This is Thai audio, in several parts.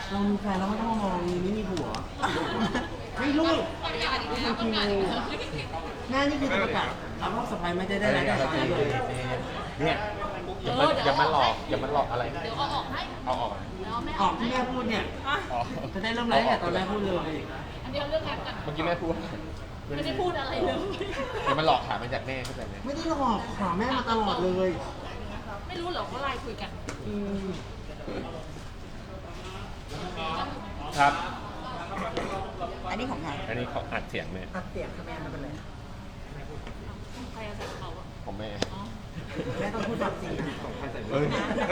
เรามีแฟนแล้วไม่ต้องมองไม่มีผัวไม่รู้ไม่จริงเลยแม่นี่คือจะประกาศถามว่าสะพายไม่ได้รายได้สะพายเลยเนี่ยอย่ามาหลอกอย่ามาหลอกอะไรเดี๋ยวเอาออกให้เอาออกแล้วแม่ออกที่แม่พูดเนี่ยอ๋อจะได้เริ่มไลฟ์แต่ตอนแม่พูดเลยอันเดียวเรื่องงานกันเมื่อกี้แม่พูดไม่ได้พูดอะไรเลยอย่ามาหลอกถามมาจากแม่เข้าใจไหมไม่ได้หลอกขอแม่มาตลอดเลยไม่รู้เหรอว่าไลน์คุยกันอืมครับอันนี้ของใครอันนี้เขาอัดเสียงแม่อัดเสียงค่ะแม่ไม่เป็นไรใครเอาใส่เขาอะของแม่อ๋อแม่ต้องพูดความจริงเฮ้ย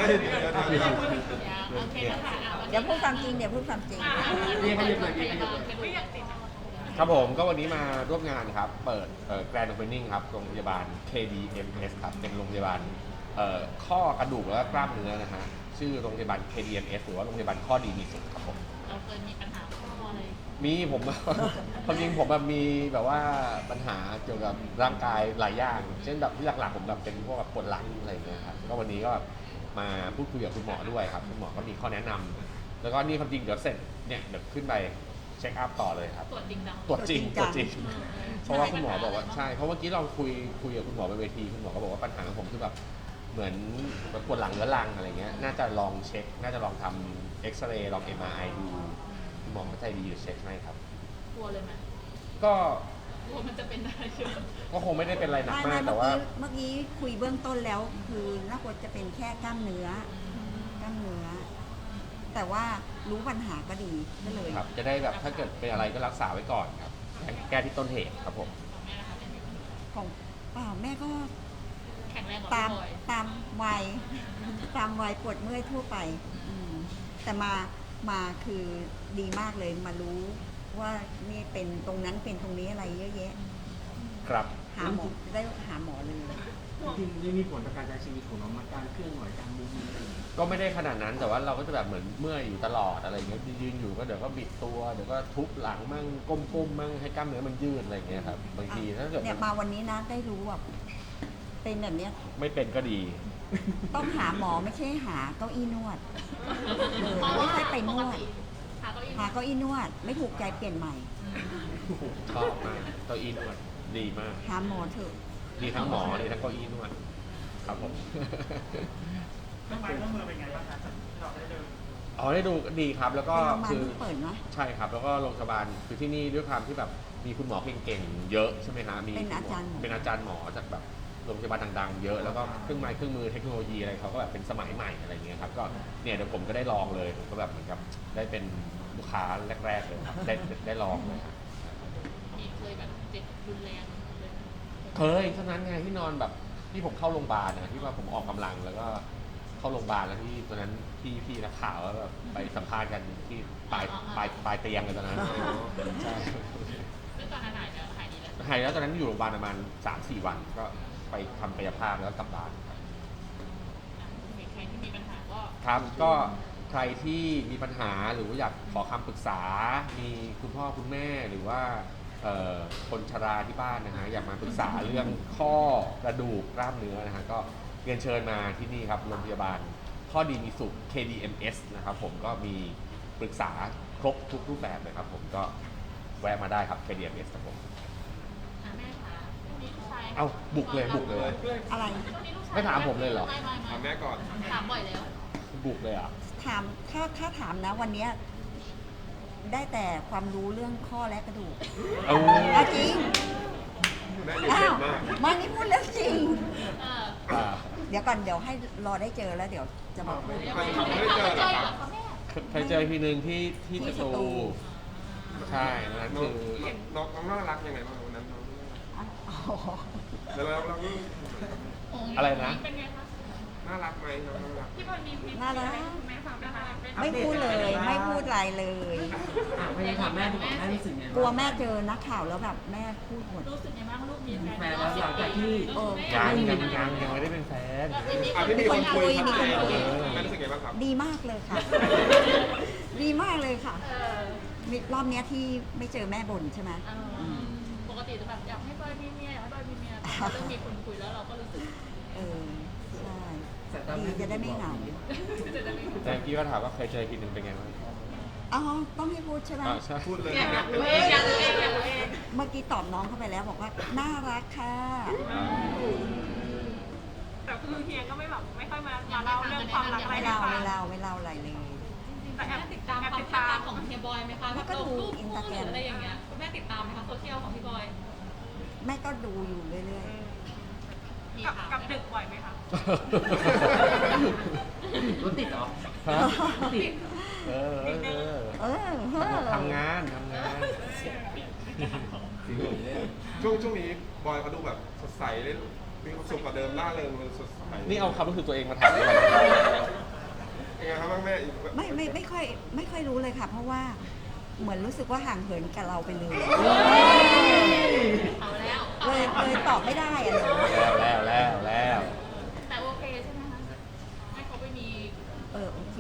โอเคนะคะเดี๋ยวพูดความจริงเดี๋ยวพูดความจริงเรียกให้หยุดเลยเรียกพให้หยุยาดบาลเป็นอยากติดครับผมก็วันนี้มาร่วมงานครับ เปิดGrand Opening ครับโรงพยาบาล KDMS ครับเป็นโรงพยาบาลข้อกระดูกและกล้ามเนื้อนะฮะชื่อโรงพยาบาล KDMS หรือว่าโรงพยาบาลข้อดีมีสุขครับผมเราเคยมีปัญหาข้ออะไรมีผม ความจริงผมแบบมีแบบว่าปัญหาเกี่ยวกับร่างกายหลายอย่างเช่นแบบที่หลักๆผมแบบเป็นพวกแบบปวดหลังอะไรอย่างเงี้ยครับก็วันนี้ก็แบบมาพูดคุยกับคุณหมอด้วยครับคุณหมอก็มีข้อแนะนำแล้วก็นี่ความจริงเดี๋ยวเสร็จเนี่ยเดี๋ยวขึ้นไปเช็คอัพต่อเลยครับตรวจจริงจังตรวจจริงตรวจจริงอืมเพราะว่าคุณหมอบอกว่าใช่เพราะเมื่อกี้เราคุยกับคุณหมอบนเวทีคุณหมอก็บอกว่าปัญหาของผมคือแบบเหมือนปวดหลังเรื้อรังอะไรเงี้ยน่าจะลองเช็คน่าจะลองทำเอ็กซเรย์ลอง MRI ดูคุณหมอก็ใจดีอยู่เช็คให้ครับกลัวเลยไหมก็กลัวมันจะเป็นอะไรเยอะก็คงไม่ได้เป็นอะไรหนักไม่มากเมื่แต่อว่ากี้เมื่อกี้คุยเบื้องต้นแล้ว คือน่ากลัวจะเป็นแค่กล้ามเนื้อกล้ามเนื้อ แต่ว่ารู้ปัญหาก็ดีก็เลยครับจะได้แบบถ้าเกิดเป็นอะไรก็รักษาไว้ก่อนครับแก้ที่ต้นเหตุครับผมของแม่นะคะเป็นยังไงของเปล่าแม่ก็แข็งแรงกว่าตามพี่บอยตามวัย ตามวัยปวดเมื่อยทั่วไปอืมแต่มาคือดีมากเลยมารู้ว่านี่เป็นตรงนั้นเป็นตรงนี้อะไรเยอะแยะครับหาหมอได้หาหมอเลยจริงๆมีผลต่อการใช้ชีวิตของน้องมาการเคลื่อนไหวการมูฟเมนต์อะไรอย่างเงี้ยก็ไม่ได้ขนาดนั้นแต่ว่าเราก็จะแบบเหมือนเมื่อยอยู่ตลอดอะไรอย่างเงี้ยยืนอยู่ก็เดี๋ยวก็บิดตัวเดี๋ยวก็ทุบหลังมั่งก้มมั่งให้กล้ามเนื้อมันยืดอะไรอย่างเงี้ยครับบางทีถ้าเกิดเนี่ยมาวันนี้นะได้รู้แบบเป็นแบบเนี้ยไม่เป็นก็ดีต้องหาหมอไม่ใช่หาเก้าอี้นวดไม่ใช่ไปนวดหาเก้าอี้หาเก้าอี้นวด ไม่ถูกใจเปลี่ยนใหม่ชอบมากเก้าอี้นวดดีมากหาหมอเถอะดีทั้งหมอดีทั้งเก้าอี้นวดครับผมเครื่องไม้เครื่องมือเป็นไงบ้างคะเราได้เดินอ๋อได้ดูดีครับแล้วก็เป็นโรงพยาบาลคือเพิ่งเปิดเนาะใช่ครับแล้วก็โรงพยาบาลคือที่นี่ด้วยความที่แบบมีคุณหมอเก่งๆเยอะใช่ไหมฮะมีเป็นอาจารย์หมอเป็นอาจารย์หมอจากแบบโรงพยาบาลดังๆเยอะแล้วก็เครื่องไม้เครื่องมือเทคโนโลยีอะไรเขาก็แบบเป็นสมัยใหม่อะไรเงี้ยครับก็เนี่ยเดี๋ยวผมก็ได้ลองเลยผมก็แบบเหมือนกับได้เป็นลูกค้าแรกๆเลยครับได้ลองเลยครับมีเคยแบบเจ็บรุนแรงเลยไหมเคยเท่านั้นไงที่นอนแบบที่ผมเข้าโรงพยาบาลนะที่ว่าผมออกกำลังแล้วก็เข้าโรงพยาบาลแล้วที่ตอนนั้นพี่นักข่าวแล้วแบบไปสัมภาษณ์กันที่ปลายเตียงเลยตอนนั้นใช่ซึ่งตอนนั้นหายแล้วหายดีแล้วหายแล้วตอนนั้นอยู่โรงพยาบาลประมาณ 3-4 วันก็ไปทำกายภาพแล้วกลับบ้านครับใครที่มีปัญหาก็ครับก็ใครที่มีปัญหาหรือว่าอยากขอคำปรึกษา มีคุณพ่อคุณแม่หรือว่าคนชราที่บ้านนะฮะอยากมาปรึกษาเรื่องข้อกระดูกกล้ามเนื้อนะฮะก็เรียนเชิญมาที่นี่ครับโรงพยาบาลข้อดีมีสุข KDMS นะครับผมก็มีปรึกษาครบทุกรูปแบบเลยครับผมก็แวะมาได้ครับ KDMS ครับผมแม่คะพรุ่งนี้ลูกชายเอ้าบุกเลยบุกเลยอะไรพรุ่งนี้ลูกชยไม่ถามผมเลยเหรอไม่ถามแม่ก่อนถามบ่อยแล้วบุกเลยอ่ะถามถ้าถามนะวันเนี้ยได้แต่ความรู้เรื่องข้อและกระดูกเอาเอาจริงแม่เด็กอ้าวมากมานี่พูดเรื่องจริงเอออ่าเดี๋ยวก่อนเดี๋ยวให้รอได้เจอแล้วเดี๋ยวจะมาพูดยังไม่เขาไม่เจอเหรอคะแม่เคยเจอทีนึงที่ที่สสตูตูใช่นั้นน้องคือน้องน่ารักยังไงบ้างวันนั้นน้องอ๋อแล้วเราอะไรนะเป็นไงคะน่ารักไหมน้องน่ารักพี่บอลมีน่ารักแม่ฟังนะคะเป็นไม่พูดเลยไม่พูดอะไรเลยพยายามถามแม่ดีกว่าแม่รู้สึกไงกลัวแม่เจอนักข่าวแล้วแบบแม่พูดหมดรู้สึกยังไงบ้างลูกมีมีแฟแฟนนแล้วหลังจากที่เออยังไม่ได้เป็นแฟนอ่ะพี่มีคนคุยมีคนคุยแม่รู้สึกไงบ้างครับดีมากเลยค่ะ ดีมากเลยค่ะเออรอบเนี้ยที่ไม่เจอแม่บ่นใช่ไหมปกติจะแบบอยากให้บอยมีเมียอยากให้บอยมีเมียเริ่มมีคนคุยแล้วเราก็รู้สึกเออใช่ดีจะได้ไม่เหงาจะได้ไม่แต่เมื่อกี้ก็ถามว่าเคยเจอทีนึงเป็นไงบ้างอ๋อต้องให้พูดใช่ไหมใช่พูดเลยอยากรู้เองอยากรู้เองอยากรู้เองเมื่อกี้ตอบน้องเข้าไปแล้วบอกว่าน่ารักค่ะแต่คือเฮียก็ไม่แบบไม่ค่อยมาเล่าเรื่องความรักอะไรไม่ให้เล่าฟังไม่เล่าไม่เล่าอะไรเลยแต่แอบติดตามความติดตามของเฮียบอยไหมคะแบบลงรูปคู่หรืออะไรอย่างเงี้ยแม่ติดตามไหมคะโซเชียลของพี่บอยแม่ก็ดูอยู่เรื่อยมีกับข่าวกับดึกบ่อยไหมคะรถติดเหรอฮะติดเออๆ เออทำงานช่วงนี้บอยเขาดูแบบสดใสเลยมีความสุขกว่าเดิมล่าเริงเลยสดใสนี่เอาความรู้สึกตัวเองมาถามด้วยยังไงครับบ้างแม่ไม่ค่อยรู้เลยค่ะ เพราะว่าเหมือนรู้สึกว่าห่างเหินกับเราไปเลยเอาแล้วเลยตอบไม่ได้อะหนูแล้วแต่โอเคใช่ไหมคะให้เขาไปมีโอเค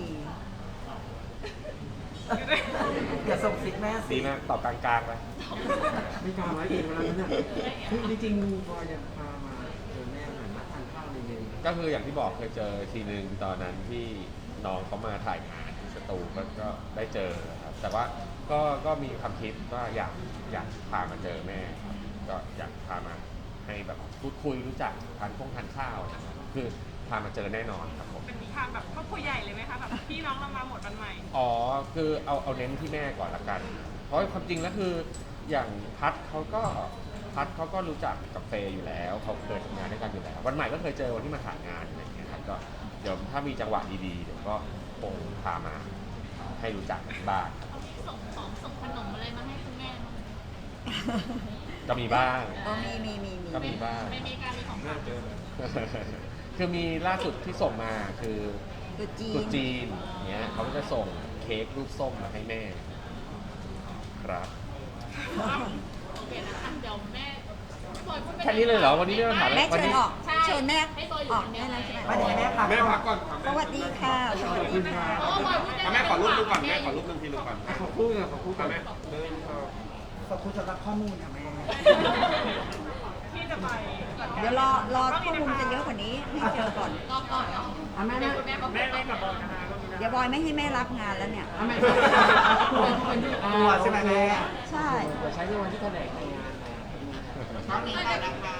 อย่าส่งซิกแม่ดีสิมากตอบกลางๆไปไม่กล้าไว้เองแล้วนั่นน่ะคือจริงๆบอยจะพามาเจอแม่หน่อยมาทานข้าวในเย็นก็คืออย่างที่บอกเคยเจอทีนึงตอนนั้นที่น้องเขามาถ่ายงานที่สตูก็ได้เจอครับแต่ว่าก็มีความคิดว่าอยากพามาเจอแม่ครับก็อยากพามาให้แบบพูดคุยรู้จักทานข้าวนะครับคือพามาเจอแน่นอนครับผมเป็นทางแบบครอบครัวใหญ่เลยไหมคะแบบพี่น้องเรามาหมดวันใหม่อ๋อคือเอาเน้นที่แม่ก่อนละกัน เพราะความจริงแล้วคืออย่างพัดเขาก็รู้จักกับเฟย์อยู่แล้วเขาเคยทำงานด้วยกันอยู่แล้ว วันใหม่ก็เคยเจอวันที่มาถ่ายงานอะไรอย่างเงี้ยครับก็เดี๋ยวถ้ามีจังหวะดีๆเดี๋ยวก็คงพามาให้รู้จักกันบ้างส่งของส่งขนมอะไรมาให้คุณแม่บ้างไหมก็มีบ้างมีก็มีบ้างไม่มีการมีของแม่ฝากเจอเลยคือมีล่าสุดที่ส่งมาคือตุ๊จีตุ๊นจีนเนี้ยเขาก็จะส่งเค้กรูปส้มมาให้แม่ครับโอเคนะคะเดี๋ยวแม่บอยพูดไปแค่นี้เลยเหรอวันนี้ไม่ต้องถามแม่วันเชิญนี้ออกใช่เชิญแม่ให้บอยอยู่ออกคนเดีได้ยวแล้วใช่ไหมมาเดี๋ยวแม่พักแม่พักก่อนสวัสดีค่ะสวัสดีค่ะเพราะว่าบอยพูดได้แม่ขอรูปนึงก่อนแม่ขอรูปนึงทีนึงก่อนขอบคุณขอบคุณแม่เดินเข้าขอบคุณสำหรับข้อมูลค่ะแม่ที่จะไปเดี๋ยวรอข้อมูลจะเยอะกว่านี้ให้เจอก่อนรอบก่อนเนาะอ่ะแม่แม่คุณแม่บอกแม่กับบอยนะคะเดี๋ยวบอยไม่ให้แม่รับงานแล้วเนี่ยอ่ะแม่ตัวใช่ไหมแม่ใช่เดี๋ยวใช้ในวันที่แถลงในงานนะต้องมีด้วยนะคะ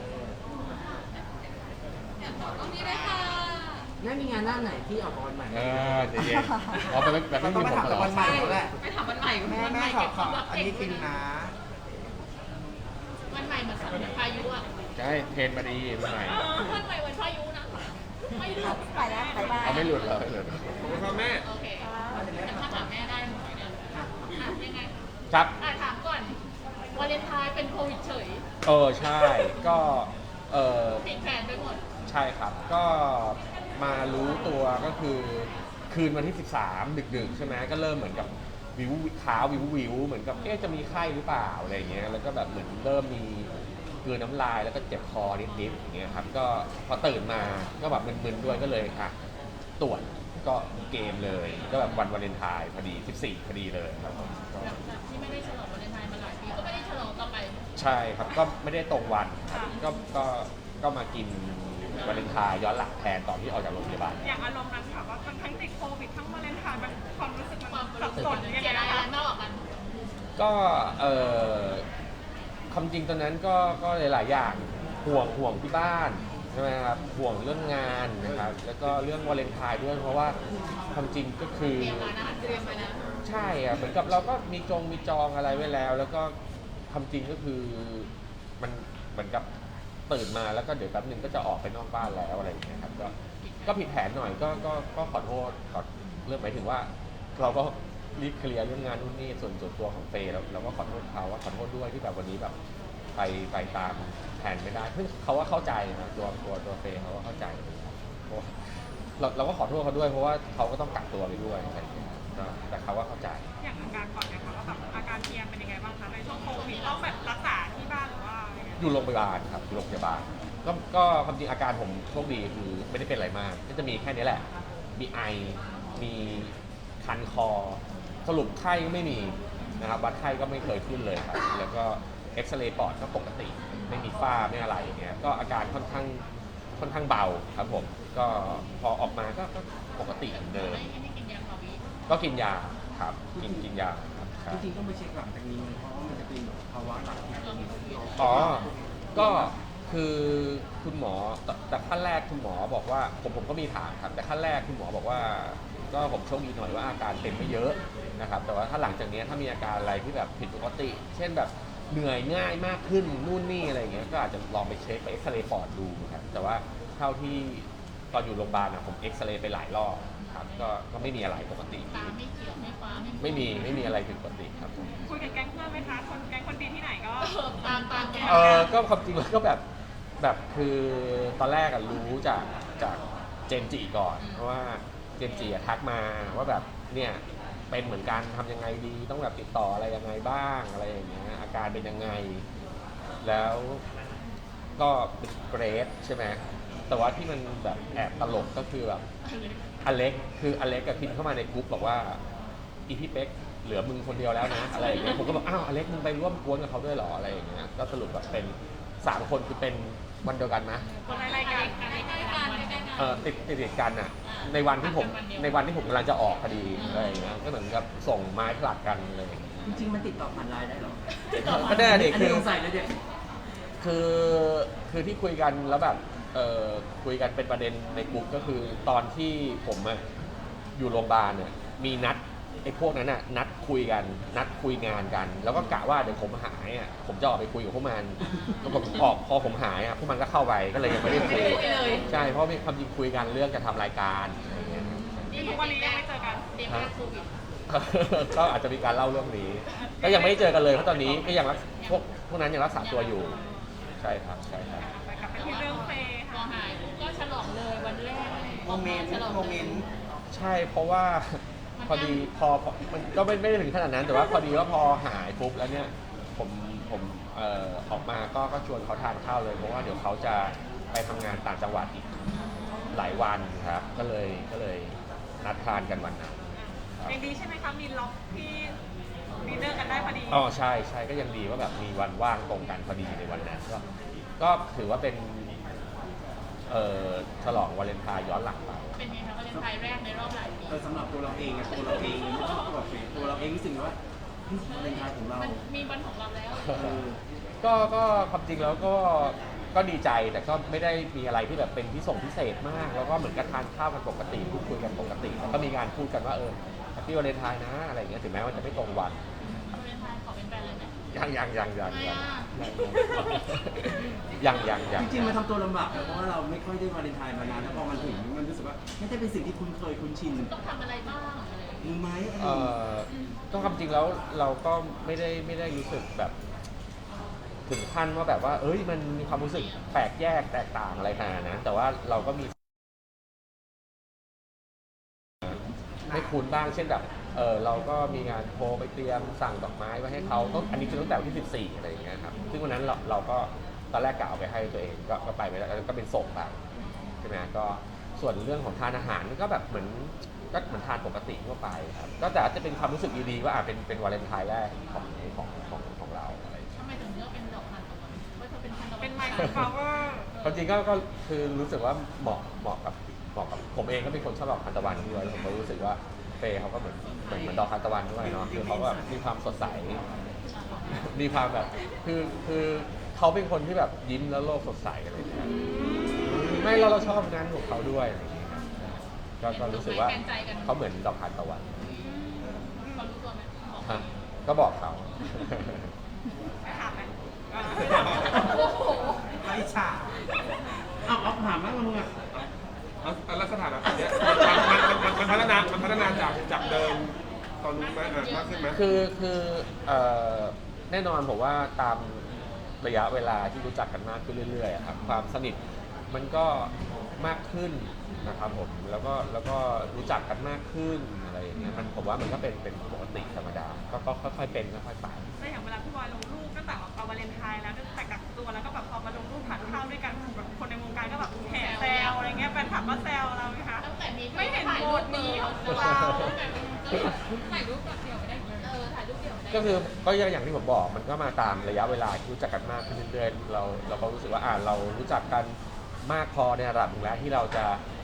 ต้องมีด้วยค่ะแม่มีงานหน้าไหนที่ออกวันใหม่ใจเย็นอ๋อแบบไม่มีผมเหรอวันใหม่แล้วแหละไปถามวันใหม่แม่วันใหแม่ม่ขอเก็บความลับอันเก่งนี้จริงนะวันใหม่เหมือนสัตว์พายุอ่ะใช่เทรนมาดีวันใหม่วันใหม่วันพายุนะไม่หลุดไปแล้วบ๊ายบายเอาไม่หลุดเลยเลยขอบคุณครับแม่โอเคแต่ถ้าถามแม่ได้หมดเนี่ยยังไงครับถามก่อนวาเลนไทน์เป็นโควิดเฉยใช่ก็ผิดแผนไปหมดใช่ครับก็มารู้ตัวก็คือคืนวันที่ 13 ดึกๆใช่ไหมก็เริ่มเหมือนกับวิวขาวิวเหมือนกับจะมีไข้หรือเปล่าอะไรอย่างเงี้ยแล้วก็แบบเหมือนเริ่มมีกลืนน้ำลายแล้วก็เจ็บคอนิดๆอย่างเงี้ยครับก็พอตื่นมาก็แบบมึนๆด้วยก็เลยตรวจก็เกมเลยก็แบบวันวาเลนไทน์พอดี14พอดีเลยครับผมก็แบบที่ไม่ได้ฉลองวาเลนไทน์มาหลายปีก็ไม่ได้ฉลองต่อไปใช่ครับก็ไม่ได้ตรงวันครับก็มากินวาเลนไทน์ย้อนหลังแทนตอนที่ออกจากโรงพยาบาลอย่างอารมณ์นั้นค่ะว่ามันทั้งติดโควิดทั้งวาเลนไทน์มันความรู้สึกความมันรู้สับสึกสนมันยังเกลีไงยดอะไรนะคะมากกว่ากันก็ความจริงตอนนั้นก็หลายๆอย่างห่วงที่บ้านใช่ไหมครับห่วงเรื่องงานนะครับแล้วก็เรื่องวาเลนไทน์ด้วยเพราะว่าความจริงก็คือเตรียมมานะเตรียมมานะใช่อะเหมือนกับเราก็มีจองอะไรไว้แล้ว แล้วก็ความจริงก็คือมันเหมือนกับตื่นมาแล้วก็เดี๋ยวแป๊บนึงก็จะออกไปนอกบ้านแล้วอะไรอย่างเงี้ยครับก็ผิดแผนหน่อยก็ขอโทษขอเรื่องหมายถึงว่า เราก็รีบเคลียร์เรื่องงานนู่นนี่ส่วนตัวของเฟย์แล้วเราก็ขอโทษเขาว่าขอโทษด้วยที่แบบวันนี้แบบไปตามแผนไม่ได้เพิ่งเขาว่าเข้าใจนะตัวเฟย์เขาก็เข้าใจเพราะว่าเราก็ขอโทษเขาด้วยเพราะว่าเขาก็ต้องกักตัวไปด้วยอะไรอย่างเงี้ยก็แต่เขาว่าเข้าใจอย่างอาการก่อนเนี่ยค่ะว่าแบบอาการเฮียเป็นยังไงบ้างคะในช่วงโควิดต้องแบบรักษาที่บ้านหรือว่าอะไรเงี้ยอยู่โรงพยาบาลครับอยู่โรงพยาบาลก็ความจริงอาการผมโชคดีคือไม่ได้เป็นอะไรมากก็จะมีแค่นี้แหละ มีไอมีคันคอ สรุปไข้ก็ไม่มีนะครับวัดไข้ก็ไม่เคยขึ้นเลยครับแล้วก็เอ็กซเรย์ปอดก็ปกติ ไม่มีฝ้าไม่อะไรอย่างเงี้ยก็อาการค่อนข้างเบาครับผมก็พอออกมาก็ปกติเหมือนเดิมไม่ได้กินยาฟาวิก็กินยาครับกินยาครับใช่จริงๆต้องไปเช็คหลังจากนี้เพราะว่ามันจะเป็นแบบภาวะหลังที่เป็นอ๋อ ก็คือคุณหมอแต่ขั้นแรกคุณหมอบอกว่าผมก็มีถามครับแต่ขั้นแรกคุณหมอบอกว่าก็ผมโชคดีหน่อยว่าอาการเป็นไม่เยอะนะครับแต่ว่าถ้าหลังจากนี้ถ้ามีอาการอะไรที่แบบผิดปกติ เช่นแบบเหนื่อยง่ายมากขึ้นนู่นนี่อะไรอย่างเงี้ยก็อาจจะลองไปเช็คไปเอ็กซเรย์ปอดดูครับแต่ว่าเท่าที่ตอนอยู่โรงพยาบาลผมเอ็กซเรย์ไปหลายรอบครับก็ไม่มีอะไรปกติตาไม่เขียวไม่ฟ้าไม่มีอะไรผิดปกติครับผมคุยกับแก๊งเพื่อนไหมคะแก๊งคนดีที่ไหนก็ตามแกก็ความจริงแล้วก็แบบคือตอนแรกรู้จากเจมส์จิก่อนเพราะว่าเจมส์จิทักมาว่าแบบเนี่ยเป็นเหมือนกันทำยังไงดีต้องแบบติดต่ออะไรยังไงบ้างอะไรอย่างเงี้ยอาการเป็นยังไงแล้วก็เป็นเกรดใช่ไหมแต่ว่าที่มันแบบแอบตลกก็คือแบบอเล็กกับพิมพ์เข้ามาในกลุ่มบอกว่าอีพี่เป๊กเหลือมึงคนเดียวแล้วนะอะไรอย่างเงี้ยผมก็บอกอ้าวอเล็กมึงไปร่วมกวนกับเขาด้วยเหรออะไรอย่างเงี้ยก็สรุปแบบเป็น3 คนคือเป็นวันเดียวกันนะคนในรายการติดกันอ่ะในวันที่ผมกำลังจะออกพอดีอะไรอย่างเงี้ยก็เหมือนกับส่งไม้ผลัดกันเลยจริงๆมันติดต่อผ่านไลน์ได้เหรอก็ได้เด็กอันคืนี้อสงสัยเลยเด็กคือที่คุยกันแล้วแบบคุยกันเป็นประเด็นในกลุ่มก็คือตอนที่ผมอยู่โรงพยาบาลเนี่ยมีนัดไอ้พวกนั้นน่ะนัดคุยงานกัน แล้วก็กะว่าเดี๋ยวผมหายผมจะออกไปคุยกับพวกมันแล้วก็พอผมหายพวกมันก็เข้าไปก็เลยยังไม่ได้คุยใช่เพราะมีความจริงคุยกันเรื่องจะทำรายการอะไรอย่างเงี้ยนี่ทุกวันนี้ยังไม่เจอกันเด็กแรกโควิดก็อาจจะมีการเล่าเรื่องนี้ ก็ยังไม่ได้เจอกันเลยเพราะตอนนี้ก็ยังพวกนั้นยังรักษาตัวอยู่ใช่ครับไปกลับไปที่เรื่องเฟย์พอค่ะหายปุ๊บก็ฉลองเลยวันแรกโมเมนต์ฉลองโมเมนต์ใช่เพราะว่าพอดีมันก็ไม่ได้ถึงขนาดนั้น แต่ว่าพอดีว่าพอหายปุ๊บแล้วเนี่ยผมออกมาก็ชวนเขาทานข้าวเลยเพราะว่าเดี๋ยวเขาจะไปทำงานต่างจังหวัดอีกหลายวันครับก็เลยนัดทานกันวันนั้นครับยังดีใช่ไหมคะมีล็อกที่ดีเนอร์กันได้พอดีอ๋อใช่ก็ยังดีว่าแบบมีวันว่างตรงกันพอดีในวันนั้นก็ถือว่าเป็นฉลองวาเลนไทน์ย้อนหลังไปเป็นไงคะวาเลนไทน์แรกในรอบหลายปีสำหรับตัวเราเองตัวเราเองไม่ใช่ตัวเฟซตัวเราเองรู้สึกว่าที่วาเลนไทน์ของเรามันมีวันของเราแล้วก็ความจริงแล้วก็ดีใจแต่ก็ไม่ได้มีอะไรที่แบบเป็นพิเศษมาก แล้วก็เหมือนกับทานข้าวกันปกติพูดคุยกันปกติแล้วก็มีการพูดกันว่าแฮปปี้วาเลนไทน์นะอะไรอย่างเงี้ยถึงแม้ว่าจะไม่ตรงวันวาเลนไทน์ขอเป็นแฟนเลยไหมยังจริงๆมันทำตัวลำบากนะเพราะว่าเราไม่ค่อยได้วาเลนไทน์มานานแล้วพอมันถึงมันรู้สึกว่าไม่ได้เป็นสิ่งที่คุ้นเคยคุ้นชินต้องทำอะไรบ้างอะไรอย่างเงี้ยมือไม้อะไรก็ความจริงแล้วเราก็ไม่ได้รู้สึกแบบถึงขั้นว่าแบบว่ามันมีความรู้สึกแปลกแยกแตกต่างอะไรขนาดนั้นแต่ว่าเราก็มีไม่คุ้นบ้างเช่นแบบเราก็มีงานโทรไปเตรียมสั่งดอกไม้ไว้ให้เขาอันนี้คือตั้งแต่วันที่14อะไรอย่างเงี้ยครับซึ่งวันนั้นเราก็ตอนแรกกะเอาไปให้ตัวเองก็ไปไม่ได้ก็เป็นส่งไปใช่ไหมก็ส่วนเรื่องของทานอาหารก็แบบเหมือนทานปกติทั่วไปครับก็แต่จะเป็นความรู้สึกดีๆว่าเป็นวาเลนไทน์แรกของเราอะไรอย่างเงี้ยทำไมถึงเลือกเป็นดอกทานตะวันเพราะเธอเป็นทานตะวันเป็นไมค์ฟลาวเวอร์ความจริงก็คือรู้สึกว่าเหมาะกับผมเองก็เป็นคนชอบดอกทานตะวันด้วยผมก็รู้สึกว่าเฟย์เขาก็เหมือนดอกทานตะวันด้วยเนาะคือเขาก็แบบมีความสดใสมีความแบบคือเขาเป็นคนที่แบบยิ้มแล้วโลกสดใสอะไรอย่างเงี้ยไม่เราชอบงานของเขาด้วยอะไรอย่างเงี้ยก็รู้สึกว่าเขาเหมือนดอกทานตะวันเขารู้ตัวไหมบอกฮะก็บอกเขาไม่ถามไหมโอ้โหไอ้ฉาเอาถามมากมึงอ่ะแล้วสถานะเนี้ยมันพัฒนาจากเดิมตอนนู้นไหมมากขึ้นไหมคือแน่นอนผมว่าตามระยะเวลาที่รู้จักกันมากขึ้นเรื่อยๆครับความสนิทมันก็มากขึ้นนะครับผมแล้วก็รู้จักกันมากขึ้นอะไรอย่างเงี้ยผมว่ามันก็เป็นปกติธรรมดาก็ค่อยๆเป็นค่อยๆไปแต่อย่างเวลาพี่บอยลงรูปตั้งแต่เอาวาเลนไทน์แล้วตั้งแต่กักตัวแล้วก็แบบพอมาลงรูปทานข้าวด้วยกันแบบคนในวงการก็แบบแห่แซวอะไรเงี้ยแฟนคลับก็แซวเราไหมคะตั้งแต่มีไม่เห็นถ่ายโพรูสปต์นี้นี้ขขออง งเราเราถ่ายรูปกับเดี่ยวไม่ได้ถ่ายรูปเดี่ยวไม่ได้ก็คือก็อย่างที่ผมบอกมันก็มาตามระยะเวลาที่รู้จักกันมากขึ้นเรื่อยๆเราก็รู้สึกว่าเรารู้จักกันมากพอในระดับหนึ่งแล้วที่เราจะ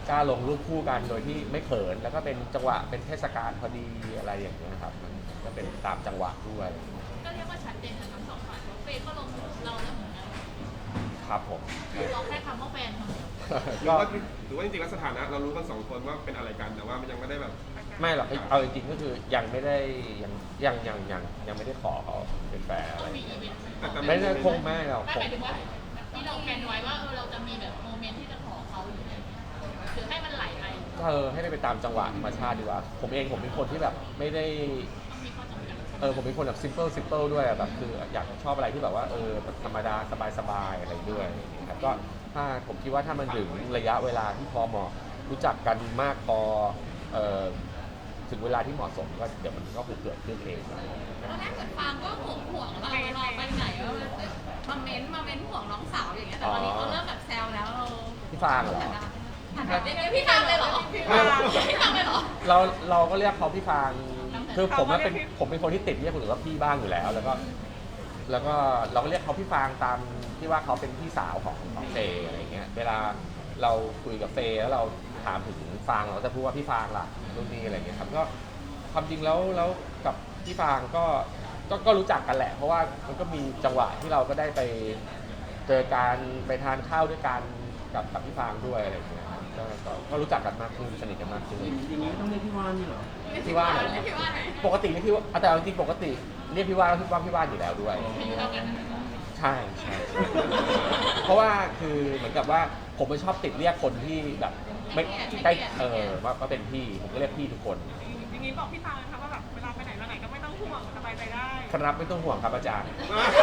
กล้าลงรูปคู่กันโดยที่ไม่เขินแล้วก็เป็นจังหวะเป็นเทศกาลพอดีอะไรอย่างเงี้ยครับมันก็เป็นตามจังหวะด้วยก็เรียกว่าชัดเจนกันทั้งสองฝ่ายเฟย์ก็ลงเราแล้วเหมือนกันครับผมเราแค่คำว่าแฟนคนเดียวหรือว่าจริงๆแล้วสถานะเรารู้กัน2 คนว่าเป็นอะไรกันแต่ว่ามันยังไม่ได้แบบไม่หรอกเอาจริงๆก็คือยังไม่ได้ยังไม่ได้ขอเขาเป็นแฟนอะไรมีอีเวนต์ไม่ได้คงไม่หรอกไม่หมายถึงว่าที่เราแพลนไว้ว่าเราจะมีแบบโมเมนต์ที่จะขอเขาหรือให้มันไหลไปให้ไปตามจังหวะธรรมชาติดีกว่าผมเป็นคนที่แบบไม่ได้ต้องมีข้อจำกัดผมเป็นคนแบบ simple ด้วยอะแบบคืออยากชอบอะไรที่แบบว่าแบบธรรมดาสบายๆอะไรด้วยนะครับก็ถ้าผมคิดว่าถ้ามันถึงระยะเวลาที่พอเหมาะรู้จักกันมากพอถึงเวลาที่เหมาะสมก็เดี๋ยวมันก็คงเกิดขึ้นเองตอนแรกเหมือนฟางก็ห่วงเราไปไหนว่ามาเม้นห่วงน้องสาวอย่างเงี้ยแต่ตอนนี้เขาเริ่มแบบแซวแล้วเราพี่ฟางเหรอพี่ฟางเลยเหรอพี่ฟางเลยเหรอเราก็เรียกเขาพี่ฟางคือผมเป็นคนที่ติดเรียกคนอื่นว่าพี่บ้างอยู่แล้วแล้วก็เราก็เรียกเขาพี่ฟางตามที่ว่าเขาเป็นพี่สาวของเฟย์อะไรเงี้ยเวลาเราคุยกับเฟย์แล้วเราถามถึงฟางเราจะพูดว่าพี่ฟางล่ะรุ่นนี้อะไรเงี้ยครับก็ความจริงแล้วกับพี่ฟางก็รู้จักกันแหละเพราะว่ามันก็มีจังหวะที่เราก็ได้ไปเจอกันไปทานข้าวด้วยกันกับพี่ฟางด้วยอะไรเงี้ยก็รู้จักกันมากขึ้นสนิทกันมากขึ้นอย่างนี้ต้องเรียกพี่ว่านนี่เหรอพี่ว่านปกติเรียกพี่ว่าแต่จริงๆปกติเรียกพี่ว่านแล้วพี่ว่านอยู่แล้วด้วยใช่เพราะว่าคือเหมือนกับว่าผมไม่ชอบติดเรียกคนที่แบบไม่ใกล้ว่าเป็นพี่ผมก็เรียกพี่ทุกคนอย่างนี้บอกพี่ฟางนะคะว่าแบบเวลาไปไหนมาไหนก็ไม่ต้องห่วงสบายใจได้ครับไม่ต้องห่วงครับอาจารย์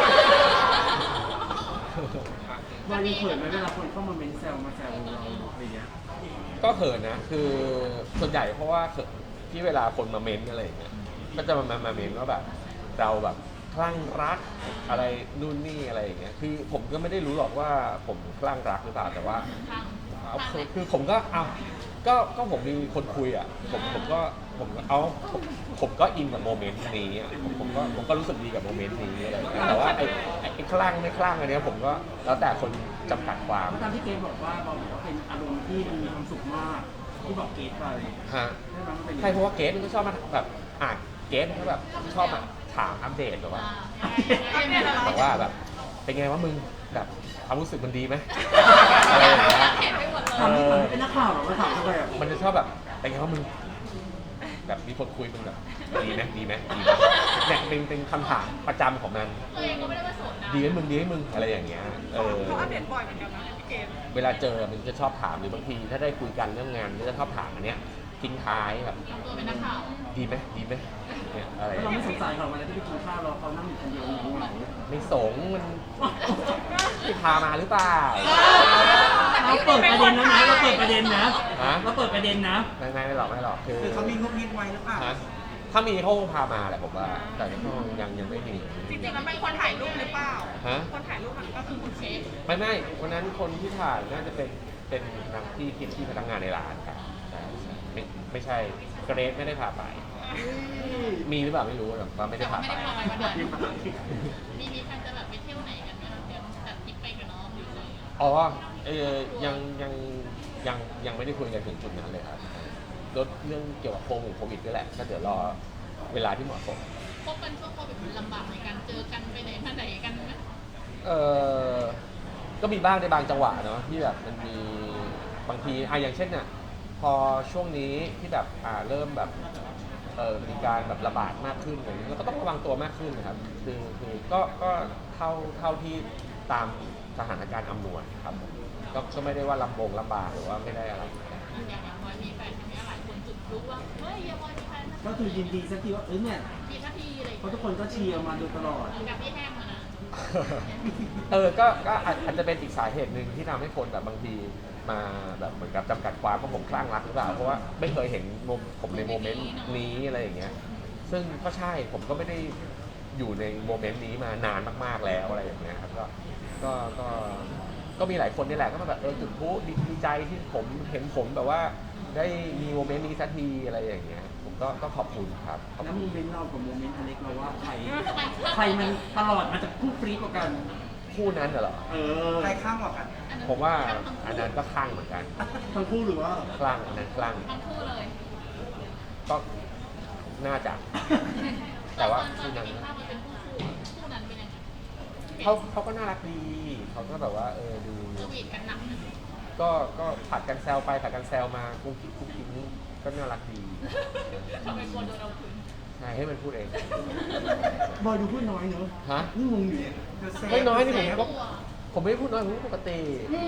วันนี้เขินไหมเวลาคนเข้ามาเม้นแซวมาแซวเราอะไรเงี้ยก็เขินนะคือส่วนใหญ่เพราะว่าที่เวลาคนมาเม้นอะไรอย่างเงี้ยก็จะมาเม้นว่าแบบเราแบบคลั่งรักอะไรนู่นนี่อะไรอย่างเงี้ยคือผมก็ไม่ได้รู้หรอกว่าผมคลั่งรักหรือเปล่าแต่ว่าคือผมก็ก็ผมมีคนคุยอ่ะผมก็อินกับโมเมนต์นี้อ่ะผมก็รู้สึกดีกับโมเมนต์นี้อะไรอย่างเงี้ยแต่ว่าไอ้คลั่งไม่คลั่งอันเนี้ยผมก็แล้วแต่คนจำกัดความเพราะตามที่เกรทบอกว่าเป็นอารมณ์ที่มันมีความสุขมากที่บอกเกรทไปฮะได้ไหมมันเป็นใช่เพราะว่าเกสมันก็ชอบมาแบบเกสมันก็แบบชอบมาถามอัปเดตแบบว่าบอกว่าแบบเป็นไงวะมึงแบบความรู้สึกมันดีไหมอะไรอย่างเงี้ยถามเป็นนักข่าวเหรอมาถามทำไมอ่ะมันจะชอบแบบเป็นไงวะมึงแบบมีคนคุยมึงแบบดีไหมเนี่ยเป็นคำถามประจำของมันตัวเองก็ไม่ได้ว่าโสดนะดีไหมมึงอะไรอย่างเงี้ยเขาอัปเดตบ่อยเหมือนกันนะพี่เกมเวลาเจอมันจะชอบถามหรือบางทีถ้าได้คุยกันเรื่องงานก็จะชอบถามอันเนี้ยทิ้งท้ายแบบทำตัวเป็นนักข่าวดีไหมเนี่ยอะไรแล้วเราไม่สงสัยเขาเวลาที่ไปกินข้าวเราเขานั่งอยู่คนเดียวเหงาไม่สงมันที่พามาหรือเปล่าเราเปิดประเด็นนะเราเปิดประเด็นนะฮะเราเปิดประเด็นนะไม่หรอกคือเขามีงบนิดไว้หรือเปล่าฮะถ้ามีเขาคงพามาแหละผมว่าแต่ก็ยังไม่มีจริงๆมันเป็นคนถ่ายรูปหรือเปล่าฮะคนถ่ายรูปมันก็คือคุณเชฟไม่วันนั้นคนที่ถ่ายน่าจะเป็นนักที่พนักงานในร้านครับใช่ไม่ใช่เกรซไม่ได้พาไป มีหรือเปล่าไม่รู้แต่ว่าไม่ได้แต่พาไม่ไปได้พาไปวันนั้นมีแฟนจะแบบไปเที่ยวไหนกันไหมคะเดี๋ยวจัดทริปไปกับน้องหรืออะไรอ๋อยังไม่ได้คุยกันถึงจุดนั้นเลยครับลดเรื่องเกี่ยวกับโควิดด้วยแหละก็เดี๋ยวรอเวลาที่เหมาะสมพบกันช่วงโควิดมันลำบากในการเจอกันไปไหนมาไหนกันไหมก็มีบ้างในบางจังหวะเนาะที่แบบมันมีบางทีอย่างเช่นเนี่ยพอช่วงนี้ที่แบบเริ่มแบบมีการแบบระบาดมากขึ้นอะไรอย่างเงี้ยเราก็ต้องระวังตัวมากขึ้นนะครับคือก็เท่าที่ตามสถานการณ์อำนวยครับก็ไม่ได้ว่าลำบากหรือว่าไม่ได้อะไรอย่างบอยมีแฟนใช่ไหมหลายคนจุดพลุว่าเฮ้ยอย่าบอยมีแฟนก็คือยินดีสักทีว่าเนี่ยมีท่าทีอะไรเพราะทุกคนก็เชียร์มาโดยตลอดกับพี่แห้งมานะก็อาจจะเป็นอีกสาเหตุหนึ่งที่ทำให้คนแบบบางทีมาแบบเหมือนกับจำกัดความว่าผมคลั่งรักหรือเปล่าเพราะว่าไม่เคยเห็นผมในโมเมนต์นี้อะไรอย่างเงี้ยซึ่งก็ใช่ผมก็ไม่ได้อยู่ในโมเมนต์นี้มานานมากๆแล้วอะไรอย่างเงี้ยครับก็มีหลายคนนี่แหละก็มาแบบจุดพลุดีใจที่ผมเห็นผมแบบว่าได้มีโมเมนต์นี้สักทีอะไรอย่างเงี้ยผมก็ขอบคุณครับขอบแล้วคุณโมเมนต์เรากับโมเมนต์อเล็กเราว่าใครมันตลอดมันจะคู่ฟรีกว่ากันคู่นั้นเหรอใครข้ามกว่ากันอันผมว่าอันนั้นก็คลั่งเหมือนกันทั้งคู่หรือว่าคลั่งอันนั้นคลั่งทั้งคู่เลยก็น่าจะ แต่ว่าตอนคู่นั้นเห็นภาพมันเป็นคู่นั้นเป็นยังไงเขาก็น่ารักดีเขาก็แบบว่าดูสวีทกันหนักนะก็ผัดกันแซวไปผัดกันแซวมากุ๊กกิ๊กกุ๊กกิ๊กก็น่ารักดีทำไมกลัวโดนเอาคืนใช่ให้มันพูดเองบอยดูพูดน้อยเนอะฮะนี่งงอยู่ไม่น้อยนี่ผมกก็ลัวผมไม่ได้พูดน้อยผมพูดปกติ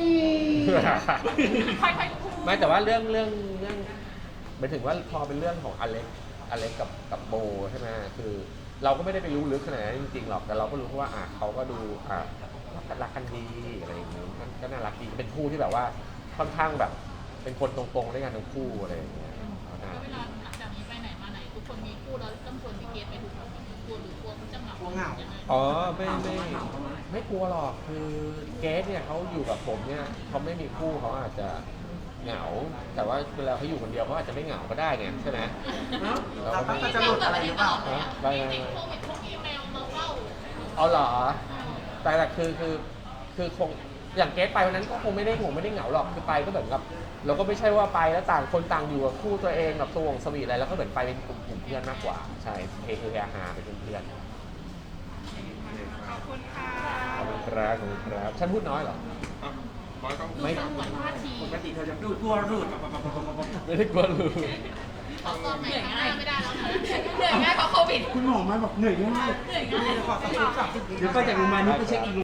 ค่อยๆพูดไม่แต่ว่าเรื่องหมายถึงว่าพอเป็นเรื่องของอเล็กกับโบใช่ไหมคือเราก็ไม่ได้ไปรู้ลึกขนาดนั้นจริงๆหรอกแต่เราก็รู้ว่าเขาก็ดูรักกันดีอะไรอย่างนี้ก็น่ารักดีเป็นคู่ที่แบบว่าค่อนข้างแบบ เป็นคนตรงๆด้วยกันทั้งคู่อะไรอย่างเงี้ยแล้วเวลาหลังจากนี้ไปไหนมาไหนทุกคนมีคู่แล้วต้องชวนพี่เกดไปถูกไหมกลัวหรือกลัวเขาจะเหงายังไงอ๋อไม่กลัวหรอกคือเกสเนี่ยเขาอยู่กับผมเนี่ยเขาไม่มีคู่เขาอาจจะเหงา แต่ว่าเวลาเขาอยู่คนเดียวเขาอาจจะไม่เหงาก็ได้ไงใช่ไหมเราก็จะหลุดอะไรหรือเปล่าติดโควิดพวกอีเมลมาเฝ้าเอาเหรอแต่คือคงอย่างเกสไปวันนั้นก็คงไม่ได้เหงาหรอกคือไปก็เหมือนกับเราก็ไม่ใช่ว่าไปแล้วต่างคนต่างอยู่กับคู่ตัวเองกับสวงสวีทอะไรแล้วก็เหมือนไปเป็นกลุ่มเพื่อนมากกว่าใช่เฮฮาเป็นเพื่อนขอบคุณค่ะขอบคุณครับฉันพูดน้อยเหรออ่ะบอยต้องดูสงวนท่าทีปกติเธอจะดูดกลัวรูดไม่ได้กลัวเลยเขาตอนไหนข้างหน้าไม่ได้แล้วนะเหนื่อยง่ายเพราะโควิดคุณหมอมาบอกเหนื่อยง่ายเหนื่อยง่ายเดี๋ยวไปจากโรงพยาบาลนี้ไปเช็คอีก